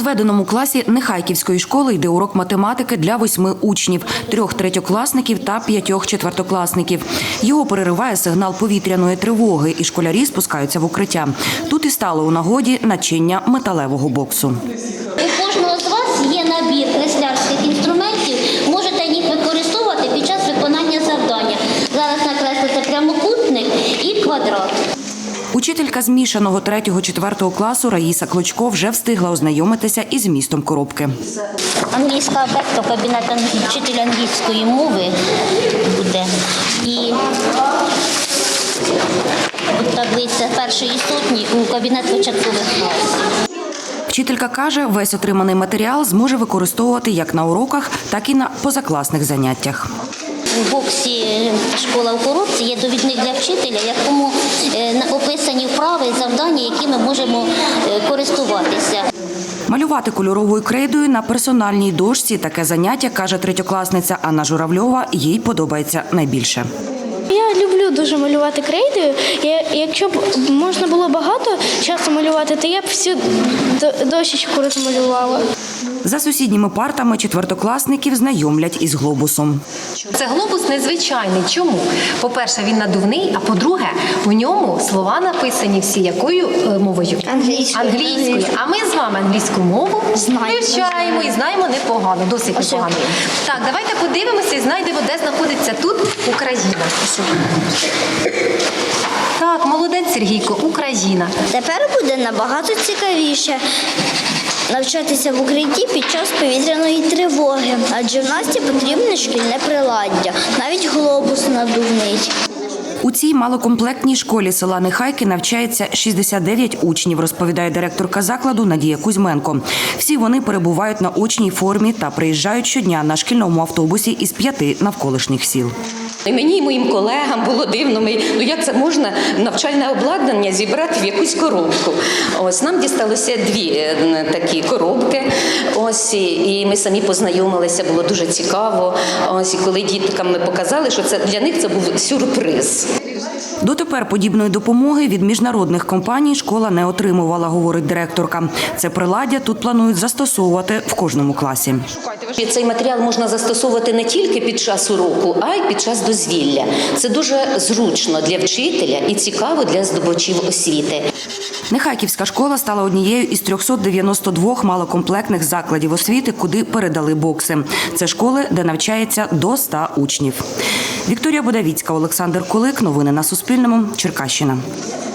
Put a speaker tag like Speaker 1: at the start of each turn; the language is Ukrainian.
Speaker 1: зведеному класі Нехайківської школи йде урок математики для 8 учнів, 3 третьокласників та 5 четвертокласників. Його перериває сигнал повітряної тривоги, і школярі спускаються в укриття. Тут і стало у нагоді начиння металевого боксу.
Speaker 2: У кожного з вас є набір креслярських інструментів, можете їх використовувати під час виконання завдання. Зараз накреслите прямокутник і квадрат.
Speaker 1: Учителька змішаного 3-4 класу Раїса Клочко вже встигла ознайомитися із змістом коробки.
Speaker 2: Англійська абетка, кабінет вчителя англійської мови буде. І таблиця першої сотні у кабінет початкових класів.
Speaker 1: Вчителька каже, весь отриманий матеріал зможе використовувати як на уроках, так і на позакласних заняттях.
Speaker 2: У боксі «Школа в коробці» є довідник для вчителя, в якому описані вправи і завдання, якими можемо користуватися.
Speaker 1: Малювати кольоровою крейдою на персональній дошці – таке заняття, каже третьокласниця Анна Журавльова, їй подобається найбільше.
Speaker 3: Я люблю дуже малювати крейдою. Якщо б можна було багато часу малювати, то я б всю дощечку розмалювала.
Speaker 1: За сусідніми партами четвертокласників знайомлять із глобусом.
Speaker 4: Це глобус незвичайний. Чому? По-перше, він надувний, а по-друге, в ньому слова написані всі якою мовою? Англійською. А ми з вами англійську мову вивчаємо і знаємо непогано, досить непогано. Так, давайте подивимося і знайдемо, де знаходиться тут Україна. Так, молодець, Сергійко, Україна.
Speaker 5: Тепер буде набагато цікавіше навчатися в укритті під час повітряної тривоги, адже в нас потрібне шкільне приладдя, навіть глобус надувний.
Speaker 1: У цій малокомплектній школі села Нехайки навчається 69 учнів, розповідає директорка закладу Надія Кузьменко. Всі вони перебувають на очній формі та приїжджають щодня на шкільному автобусі із 5 навколишніх сіл.
Speaker 6: І мені і моїм колегам було дивно, як це можна навчальне обладнання зібрати в якусь коробку. Ось нам дісталося 2 такі коробки. Ось і ми самі познайомилися, було дуже цікаво. Ось і коли діткам ми показали, що це для них це був сюрприз.
Speaker 1: Дотепер подібної допомоги від міжнародних компаній школа не отримувала, говорить директорка. Це приладдя тут планують застосовувати в кожному класі.
Speaker 6: Цей матеріал можна застосовувати не тільки під час уроку, а й під час дозвілля. Це дуже зручно для вчителя і цікаво для здобувачів освіти.
Speaker 1: Нехайківська школа стала однією із 392 малокомплектних закладів освіти, куди передали бокси. Це школи, де навчається до 100 учнів. Вікторія Бодавіцька, Олександр Кулик. Новини на Суспільному. Черкащина.